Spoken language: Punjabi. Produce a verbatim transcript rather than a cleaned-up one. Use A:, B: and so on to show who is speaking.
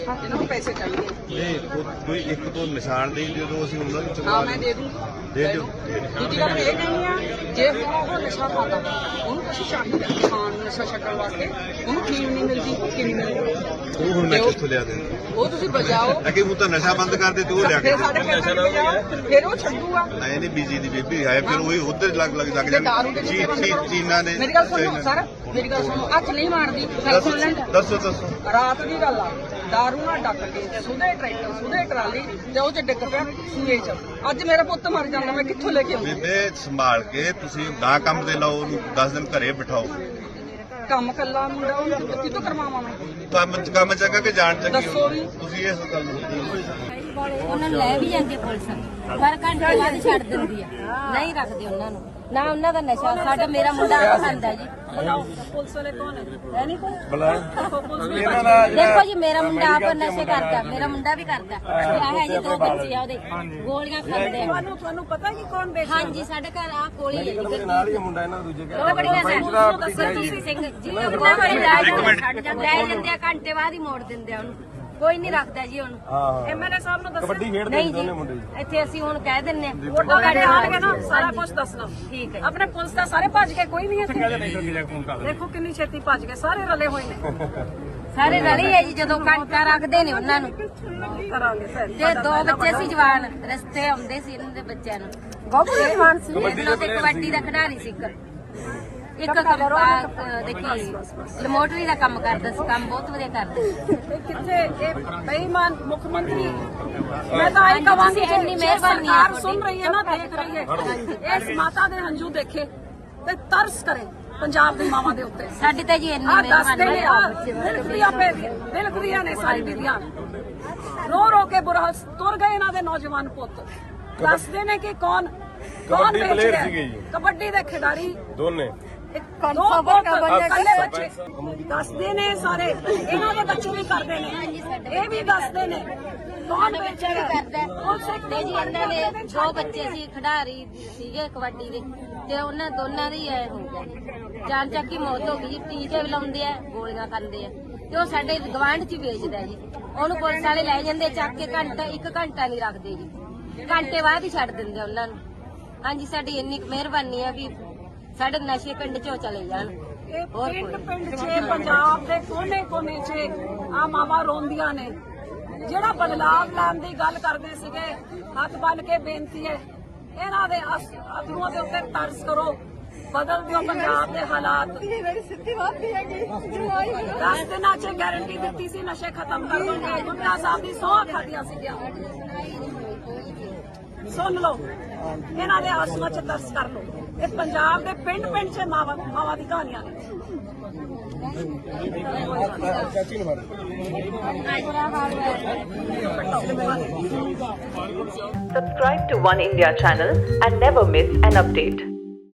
A: ਇਹਨਾਂ ਨੂੰ ਪੈਸੇ ਚਾਹੀਦੇ
B: ਨਹੀਂ ਕੋਈ ਇੱਕ ਤੋਂ ਨਿਸ਼ਾਨਦੇਹੀ ਦੇ ਦਿਓ, ਅਸੀਂ ਉਹਨਾਂ ਨੂੰ ਚੁਕਾ
A: ਹਾਂ ਮੈਂ ਦੇ ਦੂੰ
B: ਦੇ ਦਿਓ।
A: ਦੂਜੀ ਗੱਲ ਇਹ ਨਹੀਂ ਆ ਜੇ ਉਹ ਨਸ਼ਾ ਖਾਂਦਾ ਉਹਨੂੰ ਕੁਛ ਚਾਹੀਦਾ ਖਾਣ ਨੂੰ, ਨਸ਼ਾ ਛੱਡਣ ਵਾਸਤੇ ਉਹਨੂੰ ਫੀਮ ਨਹੀਂ ਮਿਲਦੀ, ਭੁੱਕੀ ਨਹੀਂ ਮਿਲਦੀ।
B: ਉਹ ਹੁਣ ਮੈਂ ਕਿੱਥੋਂ ਲਿਆ ਦੇ
A: ਉਹ ਤੁਸੀਂ ਬਜਾਓ
B: ਅੱਗੇ ਉਹ ਤਾਂ ਨਸ਼ਾ ਬੰਦ ਕਰ ਦੇ ਤੇ ਉਹ ਲਿਆ ਕੇ
A: ਫਿਰ ਸਾਡੇ ਪੈਸੇ ਬਜਾਓ, ਫਿਰ ਉਹ ਛੱਡੂਗਾ।
B: ਨਹੀਂ ਨਹੀਂ ਬੀਜੀ ਦੀ ਬੇਬੀ ਹੈ, ਫਿਰ ਉਹੀ ਉਧਰ ਲੱਗ ਲੱਗ ਲੱਗ ਜਾਣ ਚੀਨਾ ਨੇ।
A: ਮੇਰੀ ਗੱਲ ਸੁਣੋ ਸਰ, ਮੇਰੀ ਗੱਲ ਸੁਣੋ, ਹੱਥ ਨਹੀਂ ਮਾਰਦੀ, ਗੱਲ ਸੁਣ ਲੈਣ।
B: ਦੱਸੋ ਦੱਸੋ
A: ਰਾਤ ਦੀ ਗੱਲ ਆ, ਦਾਰੂ ਨਾਲ ਡੱਕ ਕੇ ਸੁਧੇ ਟਰੈਕਟਰ ਸੁਧੇ ਟਰਾਲੀ ਤੇ ਉਹ ਚ ਡਿੱਗ ਪਿਆ ਸੂਏ ਚ। ਅੱਜ ਮੇਰਾ ਪੁੱਤ ਮਰ ਜਾਂਦਾ, ਮੈਂ ਕਿੱਥੋਂ ਲੈ ਕੇ ਆਉਂਦੀ?
B: ਬੇਬੇ ਸੰਭਾਲ ਕੇ ਤੁਸੀਂ ਨਾ ਕੰਮ ਤੇ ਲਾਓ ਉਹਨੂੰ, ਦਸ ਦਿਨ ਘਰੇ ਬਿਠਾਓ।
A: ਕੰਮ ਕੱਲਾ ਮੁੰਡਾ ਉਹਨੂੰ ਕਿੱਥੋਂ ਕਰਵਾਵਾਂ ਮੈਂ?
B: ਕੰਮ ਕੰਮ ਚੰਗਾ ਕਿ ਜਾਣ ਚੰਗੀ
A: ਦੱਸੋ ਵੀ।
B: ਤੁਸੀਂ ਇਸ ਗੱਲ ਨੂੰ
C: ਉਹਨਾਂ ਨੂੰ ਲੈ ਵੀ ਜਾਂਦੀ ਆ ਪੁਲਿਸ, ਪਰ ਘੰਟੇ ਬਾਅਦ ਛੱਡ ਦਿੰਦੀ ਆ, ਨਹੀਂ ਰੱਖਦੇ ਉਹਨਾਂ ਨੂੰ ਨਾ। ਉਹਨਾਂ ਦਾ ਨਸ਼ਾ ਸਾਡਾ ਮੇਰਾ ਮੁੰਡਾ ਆਪ ਖਾਂਦਾ ਜੀ।
A: ਪੁਲਿਸ ਵਾਲੇ ਕੌਣ ਹੈ? ਨਹੀਂ ਕੋਈ
C: ਦੇਖੋ ਜੀ ਮੇਰਾ ਮੁੰਡਾ ਆਪ ਨਸ਼ੇ ਕਰਦਾ, ਮੇਰਾ ਮੁੰਡਾ ਵੀ ਕਰਦਾ। ਆਹ ਹੈ ਜੀ ਦੋ ਬੱਚੇ ਆ ਉਹਦੇ, ਗੋਲੀਆਂ ਖਾਂਦੇ ਆ।
A: ਤੁਹਾਨੂੰ ਤੁਹਾਨੂੰ ਪਤਾ ਕਿ ਕੌਣ ਵੇਚਦਾ?
C: ਹਾਂਜੀ ਸਾਡੇ ਘਰ ਆ ਕੋਲੀ ਹੈ ਜੀ।
D: ਨਾਲ ਹੀ ਮੁੰਡਾ ਇਹਨਾਂ ਦੂਜੇ
C: ਉਹ ਬੜੀਆਂ ਸਿੰਘ ਤੁਸੀਂ ਸਿੰਘ ਜੀ ਉਹ ਬੜੀ ਲੈ ਜਾਂਦੇ ਆ, ਘੰਟੇ ਬਾਅਦ ਹੀ ਮੋੜ ਦਿੰਦੇ ਆ ਉਹਨੂੰ, ਕੋਈ ਨਹੀਂ ਰੱਖਦਾ ਜੀ ਉਹਨੂੰ।
D: ਹਾਂ
A: ਐਮਐਲਏ ਸਾਹਿਬ ਨੂੰ ਦੱਸੋ।
D: ਕਬੱਡੀ ਖੇਡਦੇ
C: ਨਹੀਂ
D: ਨੇ ਦੋਨੇ ਮੁੰਡੇ
C: ਜੀ ਇੱਥੇ ਅਸੀਂ ਹੁਣ ਕਹਿ ਦਿੰਨੇ ਆ
A: ਵੋਟਾਂ ਲੈਣੇ ਆਣਗੇ ਨਾ, ਸਾਰਾ ਕੁਝ ਦੱਸਣਾ।
C: ਠੀਕ ਹੈ।
A: ਆਪਣੇ ਪੁਲਿਸ ਦਾ ਸਾਰੇ ਭੱਜ ਕੇ ਕੋਈ ਨਹੀਂ ਇੱਥੇ। ਦੇਖੋ ਕਿੰਨੀ ਛੇਤੀ ਭੱਜ ਗਏ, ਸਾਰੇ ਰਲੇ ਹੋਏ ਨੇ।
C: ਸਾਰੇ ਰਲੀ ਹੈ ਜੀ, ਜਦੋਂ ਘੰਟਾ ਰੱਖਦੇ ਨੇ ਉਹਨਾਂ ਨੂੰ।
A: ਕਰਾਂਗੇ ਸਰ।
C: ਤੇ ਦੋ ਬੱਚੇ ਸੀ ਜਵਾਨ, ਰਸਤੇ ਆਉਂਦੇ ਸੀ ਇਹਨਾਂ ਦੇ ਬੱਚਿਆਂ ਨੂੰ। ਬਹੁਤ ਜਵਾਨ ਸੀ, ਇਹਨਾਂ ਤੇ ਕਬੱਡੀ ਦਾ ਖਿਡਾਰੀ ਸੀ ਇੱਕ। ਇੱਕ ਦੇਖੀ ਲੈਮੋਟਰੀ ਦਾ ਕੰਮ ਕਰਦਾ ਸੀ, ਕੰਮ ਬਹੁਤ ਵਧੀਆ ਕਰਦਾ ਸੀ।
A: ਕਿੱਥੇ ਇਹ ਬੇਈਮਾਨ ਮੁੱਖ ਮੰਤਰੀ, ਮੈਂ ਤਾਂ ਇਹ ਕਹਾਂਗੀ
C: ਇੰਨੀ ਮਿਹਰਬਾਨੀ
A: ਸਰਕਾਰ ਸੁਣ ਰਹੀ ਹੈ ਨਾ, ਦੇਖ ਰਹੀ ਹੈ, ਇਸ ਮਾਤਾ ਦੇ ਹੰਝੂ ਦੇਖੇ ਤੇ ਤਰਸ ਕਰੇ ਪੰਜਾਬ ਦੀ ਮਾਵਾਂ ਦੇ ਉੱਤੇ।
C: ਸਾਡੀ ਤਾਂ ਜੀ ਇੰਨੀ
A: ਆ ਦੱਸਦੇ ਨੇ, ਆ
C: ਮਿਹਰਬਾਨੀ।
A: ਦਿਲਖਰੀਆਂ ਪੇ ਦਿਲਖਰੀਆਂ ਨੇ ਸਾਰੀ ਬੀਬੀਆਂ, ਰੋ ਰੋ ਕੇ ਬੁਰਾ ਤੁਰ ਗਏ ਇਹਨਾਂ ਦੇ ਨੌਜਵਾਨ ਪੁੱਤ। ਦੱਸਦੇ ਨੇ ਕਿ ਕੌਣ ਕੌਣ ਵੇਚ ਰਿਹਾ, ਕਬੱਡੀ ਦੇ ਖਿਡਾਰੀ
D: ਦੋਨੇ
A: ਦੱਸਦੇ ਨੇ ਸਾਰੇ, ਇਹਨਾਂ ਦੇ ਬੱਚੇ ਵੀ ਕਰਦੇ ਨੇ, ਇਹ ਵੀ ਦੱਸਦੇ ਨੇ ਕੌਣ ਵੇਚੇਗਾ
C: ਕਰਦਾ ਤੇ ਜੀ ਇਹਨਾਂ ਦੇ ਦੋ ਬੱਚੇ ਸੀ ਖਿਡਾਰੀ ਸੀਗੇ ਕਬੱਡੀ ਦੇ, ਤੇ ਉਹਨਾਂ ਦੋਨਾਂ ਦੀ ਐ ਹੋ ਗਿਆ ਜਾਨ ਚੱਕ ਦੀ ਮੌਤ ਹੋ ਗਈ। ਟੀਕੇ ਵੀ ਲਾਉਂਦੇ ਆ, ਗੋਲੀਆਂ ਖਾਂਦੇ ਆ, ਤੇ ਉਹ ਸਾਡੇ ਗਵਾਂਢ ਚ ਵੇਚਦਾ ਜੀ। ਉਹਨੂੰ ਪੁਲਿਸ ਵਾਲੇ ਲੈ ਜਾਂਦੇ ਚੱਕ ਕੇ, ਘੰਟਾ ਇੱਕ ਘੰਟਾ ਨਹੀਂ ਰੱਖਦੇ ਜੀ, ਘੰਟੇ ਬਾਅਦ ਹੀ ਛੱਡ ਦਿੰਦੇ ਉਹਨਾਂ ਨੂੰ। ਹਾਂਜੀ ਸਾਡੀ ਇੰਨੀ ਮਿਹਰਬਾਨੀ ਆ ਵੀ ਸਾਡੇ ਨਸ਼ੇ ਪਿੰਡ ਚੋਂ ਚਲੇ ਜਾਣ।
A: ਇਹ ਪਿੰਡ ਪਿੰਡ ਚ ਪੰਜਾਬ ਦੇ ਕੋਨੇ ਕੋਨੇ ਚ ਆ ਮਾਵਾਂ ਰੋਂਦੀਆਂ ਨੇ। ਜਿਹੜਾ ਬਦਲਾਵ ਲੈਣ ਦੀ ਗੱਲ ਕਰਦੇ ਸੀਗੇ, ਹੱਥ ਬੰਨ ਕੇ ਬੇਨਤੀ ਹੈ, ਇਹਨਾਂ ਦੇ ਅਥਰੂਆਂ ਦੇ ਉੱਤੇ ਤਰਸ ਕਰੋ, ਬਦਲ ਦਿਓ ਪੰਜਾਬ ਦੇ ਹਾਲਾਤ। ਦਸ ਦਿਨਾਂ ਚ ਗਾਰੰਟੀ ਦਿੱਤੀ ਸੀ ਨਸ਼ੇ ਖਤਮ ਕਰ ਦੋਗੇ, ਗੁੰਡਾ ਸਾਹਿਬ ਦੀ ਸੌਂ ਖਾਦੀਆਂ ਸੀਗੀਆਂ। ਸੁਣ ਲਓ, ਇਹਨਾਂ ਦੇ ਆਸਮਾਂ ਚ ਤਰਸ ਕਰ ਲਓ। ਇਹ ਪੰਜਾਬ ਦੇ ਪਿੰਡ ਪਿੰਡ ਚ ਮਾਵਾਂ ਮਾਵਾਂ ਦੀ ਕਹਾਣੀਆਂ ਨੇ।
E: Subscribe to One India channel and never miss an update.